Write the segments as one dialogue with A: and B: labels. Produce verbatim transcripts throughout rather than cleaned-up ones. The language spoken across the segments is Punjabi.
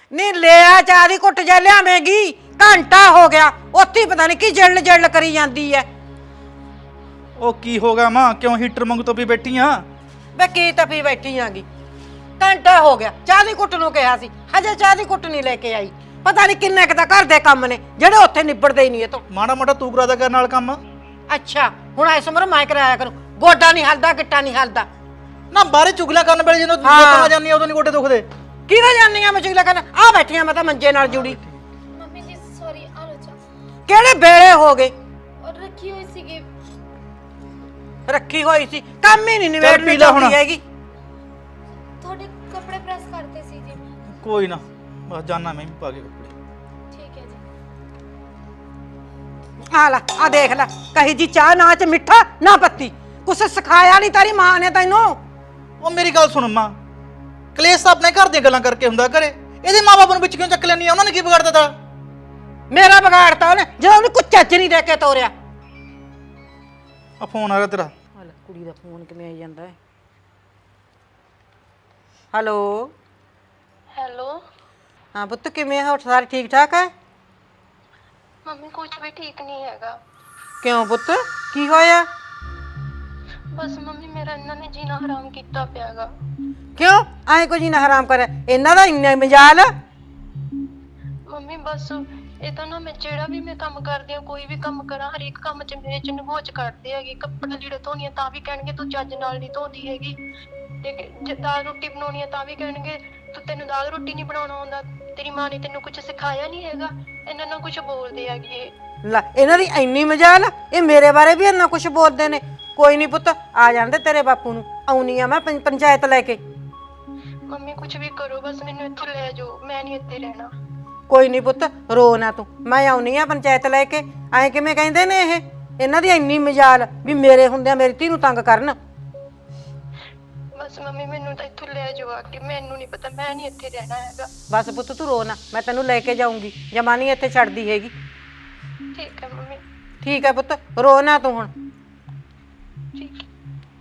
A: ਨਹੀਂ ਲਿਆ ਚਾਹ ਦੀ ਘੁੱਟ ਜਾ ਲਿਆਵੇਂਗੀ। ਘੰਟਾ ਹੋ ਗਿਆ ਉੱਥੇ ਹੀ ਪਤਾ ਨਹੀਂ ਕੀ ਜਲਣ ਜਲਣ ਕਰੀ ਜਾਂਦੀ ਐ।
B: ਉਹ ਕੀ ਹੋ ਗਿਆ ਮਾਂ, ਕਿਉਂ ਹੀਟਰ ਮੰਗ ਤੋਂ ਵੀ ਬੈਠੀ ਆ?
A: ਵੇ ਕੀ ਤਪੀ ਬੈਠੀ ਆਂਗੀ, ਘੰਟਾ ਹੋ ਗਿਆ ਚਾਹ ਦੀ ਘੁੱਟ ਨੂੰ ਕਿਹਾ ਸੀ, ਹਜੇ ਚਾਹ ਦੀ ਘੁੱਟ ਨਹੀਂ ਲੈ ਕੇ ਆਈ। ਪਤਾ ਨਹੀਂ ਕਿੰਨੇ ਕੁ ਤਾਂ ਘਰ ਦੇ ਕੰਮ ਨੇ ਜਿਹੜੇ ਉੱਥੇ ਨਿਬੜਦੇ ਹੀ ਨਹੀਂ ਇਹ ਤੋਂ।
B: ਮਾੜਾ ਮੋਟਾ ਤੂੰ ਕਰਾ ਦਾ ਕਰਨ ਨਾਲ ਕੰਮ।
A: ਅੱਛਾ ਹੁਣ ਇਸ ਉਮਰ ਮੈਂ ਕਰਾਇਆ ਕਰੂੰ, ਗੋਡਾ ਨਹੀਂ ਹਲਦਾ ਗਿੱਟਾ ਨਹੀਂ ਹਲਦਾ।
B: ਨਾ ਬਾਹਰੇ ਚੁਗਲਾ ਕਰਨ ਵੇਲੇ ਜਦੋਂ
A: ਹਾਂ।
B: ਲੋਕਾਂ ਜਾਂਦੀ ਆ ਉਦੋਂ ਨਹੀਂ ਗੋਡੇ ਦੁਖਦੇ।
A: ਕਿਹਦੇ ਜਾਨੀ ਆ ਮੈਂ ਚੁਗਲਾ ਕਰਨ? ਆ ਬੈਠੀਆਂ ਮੈਂ ਤਾਂ ਮੰਜੇ ਨਾਲ ਜੁੜੀ।
C: ਮੰਮੀ ਜੀ ਸੌਰੀ ਆਲੋਚਾ
A: ਕਿਹੜੇ ਵੇਲੇ ਹੋ ਗਏ?
C: ਔਰ ਰੱਖੀ ਹੋਈ ਸੀਗੀ।
A: ਰੱਖੀ ਹੋਈ ਸੀ, ਕੰਮ ਹੀ ਨਹੀਂ
B: ਚੱਲ
A: ਨਿਬੇੜਨੀ
B: ਪੀ ਲੈ ਹੁਣ।
A: ਚਾਹੀਦੀ ਹੈਗੀ।
C: ਤੁਹਾਡੇ ਕੱਪੜੇ ਪ੍ਰੈਸ ਕਰਤੇ ਸੀ ਜੀ।
B: ਕੋਈ ਨਾ ਬਸ ਜਾਨਾ ਮੈਂ ਵੀ ਪਾ ਕੇ ਕੱਪੜੇ।
C: ਠੀਕ ਹੈ ਜੀ।
A: ਆ ਲੈ ਆ ਦੇਖ ਲੈ, ਕਹੀ ਜੀ ਚਾਹ ਨਾ ਚ ਮਿੱਠਾ ਨਾ ਪੱਤੀ, ਕੁਛ ਸਿਖਾਇਆ ਨਹੀਂ ਤੇਰੀ ਮਾਂ ਨੇ ਤੈਨੂੰ।
B: ਉਹ ਮੇਰੀ ਗੱਲ ਸੁਣ ਮਾਂ, ਕਲੇਸ਼ ਤਾਂ ਆਪਣੇ ਘਰ ਦੀਆਂ ਗੱਲਾਂ ਕਰਕੇ ਹੁੰਦਾ ਘਰੇ। ਇਹਦੇ ਮਾਪੇ ਨੂੰ ਵਿੱਚ ਕਿਉਂ ਚੱਕ ਲੈਣੀ ਆ? ਉਹਨਾਂ ਨੇ ਕੀ ਵਿਗਾੜ ਦਿੱਤਾ?
A: ਮੇਰਾ ਵਿਗਾੜਤਾ ਉਹਨੇ ਜਦੋਂ ਉਹਨੇ ਕੁਝ ਚੱਜ ਨਹੀਂ ਦੇ ਕੇ ਤੋਰਿਆ।
B: ਆ ਫੋਨ ਆ ਰਿਹਾ ਤੇਰਾ।
A: ਆ ਲੈ ਕੁੜੀ ਦਾ ਫੋਨ ਕਿਵੇਂ ਆਈ ਜਾਂਦਾ ਹੈ। ਹੈਲੋ
C: ਹੈਲੋ
A: ਹਾਂ ਪੁੱਤ ਕਿਵੇਂ ਹੋ? ਸਾਰੇ ਠੀਕ ਠਾਕ ਹੈ?
C: ਮੰਮੀ ਕੁਝ ਵੀ ਠੀਕ ਨਹੀਂ ਹੈਗਾ।
A: ਕਿਉਂ ਪੁੱਤ ਕੀ ਹੋਇਆ?
C: ਬਸ ਮੰਮੀ ਮੇਰਾ ਇਹਨਾਂ ਨੇ ਜੀਣਾ ਹਰਾਮ ਕੀਤਾ ਪਿਆਗਾ।
A: ਕਿਉਂ ਐਂ ਕੁਝ ਨਾ ਹਰਾਮ ਕਰਿਆ? ਇਹਨਾਂ ਦਾ ਇੰਨਾ ਮਜਾਲ।
C: ਮੰਮੀ ਬਸ ਇਹ ਤਾਂ ਨਾ ਮੈਂ ਜਿਹੜਾ ਵੀ ਮੈਂ ਕੰਮ ਕਰਦੀ ਆ, ਕੋਈ ਵੀ ਕੰਮ ਕਰਾਂ, ਹਰੇਕ ਕੰਮ 'ਚ ਮੇਰੇ 'ਚ ਨਗੋਚ ਕੱਢਦੇ ਹੈਗੇ। ਕੱਪੜੇ ਲੀੜੇ ਧੋਣੀ ਆ ਤਾਂ ਵੀ ਕਹਿਣਗੇ ਤੂੰ ਚੱਜ ਨਾਲ ਨਹੀਂ ਧੋਦੀ ਹੈਗੀ, ਤੇ ਜੇ ਦਾਲ ਰੋਟੀ ਬਣਾਉਣੀ ਆ ਤਾਂ ਵੀ ਕਹਿਣਗੇ ਤੂੰ ਤੈਨੂੰ ਦਾਲ ਰੋਟੀ ਨਹੀਂ ਬਣਾਉਣਾ ਆਉਂਦਾ, ਤੇਰੀ ਮਾਂ ਨੇ ਤੈਨੂੰ ਕੁਝ ਸਿਖਾਇਆ ਨਹੀਂ ਹੈਗਾ। ਇਹਨਾਂ ਨਾਲ ਕੁਝ ਬੋਲਦੇ ਹੈਗੇ ਇਹ।
A: ਲੈ ਇਹਨਾਂ ਦੀ ਇੰਨੀ ਮਜਾਲ, ਇਹ ਮੇਰੇ ਬਾਰੇ ਵੀ ਇੰਨਾ ਕੁਝ ਬੋਲਦੇ ਨੇ। ਕੋਈ ਨਹੀਂ ਪੁੱਤ ਆ ਜਾਂਦੇ ਤੇਰੇ ਬਾਪੂ ਨੂੰ, ਆਉਣੀ ਆ ਮੈਂ ਪੰ- ਪੰਚਾਇਤ ਲੈ ਕੇ।
C: ਮੰਮੀ ਕੁਝ ਵੀ ਕਰੋ ਬਸ ਮੈਨੂੰ ਇੱਥੋਂ ਲੈ ਜਾਓ, ਮੈਂ ਨਹੀਂ ਇੱਥੇ ਰਹਿਣਾ।
A: ਕੋਈ ਨਹੀਂ ਪੁੱਤ ਰੋ ਨਾ ਤੂੰ, ਮੈਂ ਆਉਣੀ ਆ ਪੰਚਾਇਤ ਲੈ ਕੇ। ਐਂ ਕਿਵੇਂ ਕਹਿੰਦੇ ਨੇ ਇਹ? ਇਹਨਾਂ ਦੀ ਇੰਨੀ ਮਜਾਲ ਵੀ ਮੇਰੇ ਹੁੰਦਿਆਂ ਮੇਰੀ ਧੀ ਨੂੰ ਤੰਗ ਕਰਨ।
C: ਬਸ ਮੰਮੀ ਮੈਨੂੰ ਤਾਂ ਇੱਥੋਂ ਲੈ ਜਾਓ ਆ ਕੇ, ਮੈਨੂੰ ਨਹੀਂ ਪਤਾ, ਮੈਂ ਨਹੀਂ ਇੱਥੇ ਰਹਿਣਾ ਹੈਗਾ।
A: ਬਸ ਪੁੱਤ ਤੂੰ ਰੋ ਨਾ, ਮੈਂ ਤੈਨੂੰ ਲੈ ਕੇ ਜਾਊਂਗੀ, ਜਮਾ ਨਹੀਂ ਇੱਥੇ ਛੱਡਦੀ ਹੈਗੀ।
C: ਠੀਕ ਹੈ ਮੰਮੀ।
A: ਠੀਕ ਹੈ ਪੁੱਤ ਰੋ ਨਾ ਤੂੰ ਹੁਣ।
C: ਠੀਕ ਹੈ।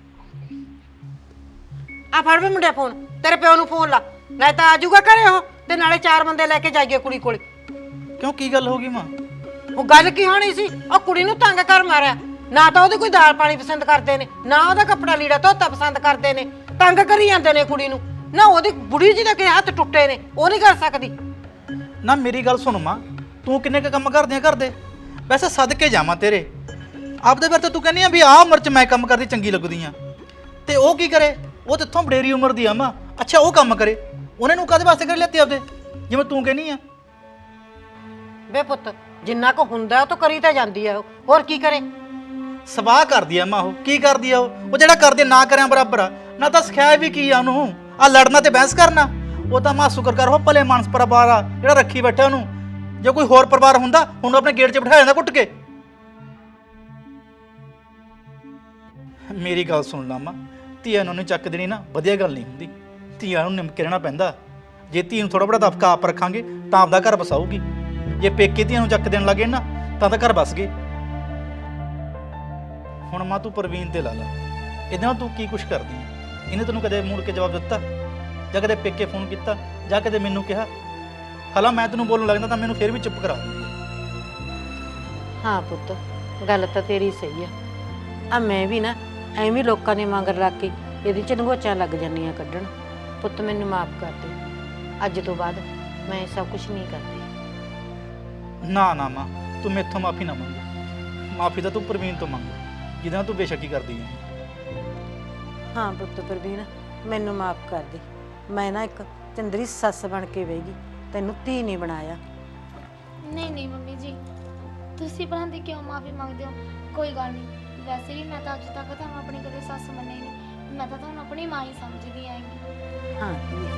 A: ਆ ਫੜ ਵੇ ਮੁੰਡਿਆ ਫੋਨ, ਤੇਰੇ ਪਿਓ ਨੂੰ ਫੋਨ ਲਾ, ਨਹੀਂ ਤਾਂ ਆ ਜਾਊਗਾ ਘਰੇ ਉਹ, ਤੇ ਨਾਲੇ ਚਾਰ ਬੰਦੇ ਲੈ ਕੇ ਜਾਈਏ ਕੁੜੀ ਕੋਲੇ।
B: ਕਿਉਂ ਕੀ ਗੱਲ ਹੋ ਗਈ ਮਾਂ?
A: ਉਹ ਗੱਲ ਕੀ ਹੋਣੀ ਸੀ? ਉਹ ਕੁੜੀ ਨੂੰ ਤੰਗ ਕਰ ਮਾਰਿਆ, ਨਾ ਤਾਂ ਉਹਦੀ ਕੋਈ ਦਾਲ ਪਾਣੀ ਪਸੰਦ ਕਰਦੇ ਨੇ, ਨਾ ਉਹਦਾ ਕੱਪੜਾ ਲੀੜਾ ਧੋਤਾ ਪਸੰਦ ਕਰਦੇ ਨੇ, ਤੰਗ ਕਰੀ ਜਾਂਦੇ ਨੇ ਕੁੜੀ ਨੂੰ। ਨਾ ਉਹਦੀ ਬੁੜੀ ਜੀ ਦੇ ਕਿ ਹੱਥ ਟੁੱਟੇ ਨੇ, ਉਹ ਨਹੀਂ ਕਰ ਸਕਦੀ।
B: ਨਾ ਮੇਰੀ ਗੱਲ ਸੁਣ ਮਾਂ, ਤੂੰ ਕਿੰਨੇ ਕ ਕੰਮ ਕਰਦੀ ਆ ਘਰ ਦੇ? ਵੈਸੇ ਸਦਕੇ ਜਾਵਾਂ ਤੇਰੇ, ਆਪਦੇ ਬਾਰੇ ਤਾਂ ਤੂੰ ਕਹਿੰਦੀ ਆ ਵੀ ਆਹ ਉਮਰ 'ਚ ਮੈਂ ਕੰਮ ਕਰਦੀ ਚੰਗੀ ਲੱਗਦੀ ਆ, ਤੇ ਉਹ ਕੀ ਕਰੇ? ਉਹ ਤੇ ਇੱਥੋਂ ਵਡੇਰੀ ਉਮਰ ਦੀ ਆ ਮਾਂ। ਅੱਛਾ ਉਹ ਕੰਮ ਕਰੇ, ਉਹਨੇ ਨੂੰ ਕਾਹਦੇ ਵਾਸਤੇ ਕਰ ਲਿਆਤੇ ਆਪਦੇ, ਜਿਵੇਂ ਤੂੰ ਕਹਿੰਦੀ ਆ?
A: ਵੇ ਪੁੱਤ ਜਿੰਨਾ ਕੁ ਹੁੰਦਾ ਉਹ ਤਾਂ ਕਰੀ ਤਾਂ ਜਾਂਦੀ ਆ, ਉਹ ਹੋਰ ਕੀ ਕਰੇ?
B: ਸਵਾਹ ਕਰਦੀ ਆ ਮਾਂ। ਉਹ ਕੀ ਕਰਦੀ ਆ? ਉਹ ਉਹ ਜਿਹੜਾ ਕਰਦੇ ਨਾ ਕਰਿਆ ਬਰਾਬਰ ਆ। ਨਾ ਤਾਂ ਸਿਖਾਇਆ ਵੀ ਕੀ ਆ ਉਹਨੂੰ, ਆ ਲੜਨਾ ਤੇ ਬਹਿਸ ਕਰਨਾ। ਉਹ ਤਾਂ ਮਾਂ ਸ਼ੁਕਰ ਕਰ ਉਹ ਭਲੇ ਮਾਨਸ ਪਰਿਵਾਰ ਆ ਜਿਹੜਾ ਰੱਖੀ ਬੈਠਾ ਉਹਨੂੰ। ਜੇ ਕੋਈ ਹੋਰ ਪਰਿਵਾਰ ਹੁੰਦਾ ਹੁਣ ਆਪਣੇ ਗੇਟ 'ਚ ਬਿਠਾ ਜਾਂਦਾ ਕੁੱਟ ਕੇ। ਮੇਰੀ ਗੱਲ ਸੁਣ ਲਾ ਮਾਂ, ਧੀਆਂ ਨੂੰ ਨਹੀਂ ਚੱਕ ਦੇਣੀ ਨਾ ਵਧੀਆ ਗੱਲ ਨਹੀਂ ਹੁੰਦੀ। ਧੀਆਂ ਨੂੰ ਨਿਮਕੇ ਰਹਿਣਾ ਪੈਂਦਾ। ਜੇ ਧੀ ਨੂੰ ਥੋੜਾ ਬੜਾ ਦਫਕਾ ਆਪ ਰੱਖਾਂਗੇ ਤਾਂ ਆਪਦਾ ਘਰ ਵਸਾਊਗੀ। ਜੇ ਪੇਕੇ ਧੀਆਂ ਨੂੰ ਚੱਕ ਦੇਣ ਲੱਗੇ ਨਾ ਤਾਂ ਤਾਂ ਘਰ ਵਸ ਗਏ। ਹੁਣ ਮਾਂ ਤੂੰ ਪ੍ਰਵੀਨ ਤੇ ਲਾ ਲਾ, ਇਹਦੇ ਨਾਲ ਤੂੰ ਕੀ ਕੁਛ ਕਰਦੀ ਹੈ? ਇਹਨੇ ਤੈਨੂੰ ਕਦੇ ਮੁੜ ਕੇ ਜਵਾਬ ਦਿੱਤਾ, ਜਾਂ ਕਦੇ ਪੇਕੇ ਫੋਨ ਕੀਤਾ, ਜਾਂ ਕਦੇ ਮੈਨੂੰ ਕਿਹਾ? ਹਾਲਾਂ ਮੈਂ ਤੈਨੂੰ ਬੋਲਣ ਲੱਗਦਾ ਤਾਂ ਮੈਨੂੰ ਫਿਰ ਵੀ ਚੁੱਪ ਕਰਾ ਦਿੰਦੀ ਹੈ।
A: ਹਾਂ ਪੁੱਤ ਗੱਲ ਤਾਂ ਤੇਰੀ ਸਹੀ ਆ। ਆ ਮੈਂ ਵੀ ਨਾ ਐਵੇਂ ਲੋਕਾਂ ਦੇ ਮਗਰ ਲੱਗ ਕੇ ਇਹਦੇ ਚ ਨਗੋਚਾਂ ਲੱਗ ਜਾਂਦੀਆਂ ਕੱਢਣ। ਪੁੱਤ ਮੈਨੂੰ ਮਾਫ ਕਰ ਦੇ, ਅੱਜ ਤੋਂ ਬਾਅਦ ਮੈਂ ਇਹ ਸਭ ਕੁਝ ਨਹੀਂ ਕਰਦੀ।
B: ਨਾ ਨਾ ਮਾਂ ਤੂੰ ਮੈਥੋਂ ਮਾਫੀ ਨਾ ਮੰਗ, ਮਾਫੀ ਤਾਂ ਤੂੰ ਪ੍ਰਵੀਨ ਤੋਂ ਮੰਗ ਜਿਹਦੇ ਨਾਲ ਤੂੰ ਬੇਸ਼ੱਕੀ ਕਰਦੀ ਹੈ।
A: ਹਾਂ ਪੁੱਤ ਪ੍ਰਵੀਨ ਮੈਨੂੰ ਮਾਫ ਕਰ ਦੇ, ਮੈਂ ਨਾ ਇੱਕ ਚੰਦਰੀ ਸੱਸ ਬਣ ਕੇ ਵੇਗੀ, ਤੈਨੂੰ ਧੀ ਨਹੀਂ ਬਣਾਇਆ।
C: ਨਹੀਂ ਨਹੀਂ ਮੰਮੀ ਜੀ, ਤੁਸੀਂ ਭਲਾਂ ਦੀ ਕਿਉਂ ਮਾਫੀ ਮੰਗਦੇ ਹੋ? ਕੋਈ ਗੱਲ ਨਹੀਂ, ਵੈਸੇ ਵੀ ਮੈਂ ਤਾਂ ਅੱਜ ਤੱਕ ਤੁਹਾਨੂੰ ਆਪਣੀ ਕਦੇ ਸੱਸ ਮੰਨੀ ਨਹੀਂ, ਮੈਂ ਤਾਂ ਤੁਹਾਨੂੰ ਆਪਣੀ ਮਾਂ ਹੀ ਸਮਝਦੀ ਆਂਗੀ।
A: ਹਾਂ ਧੀਏ,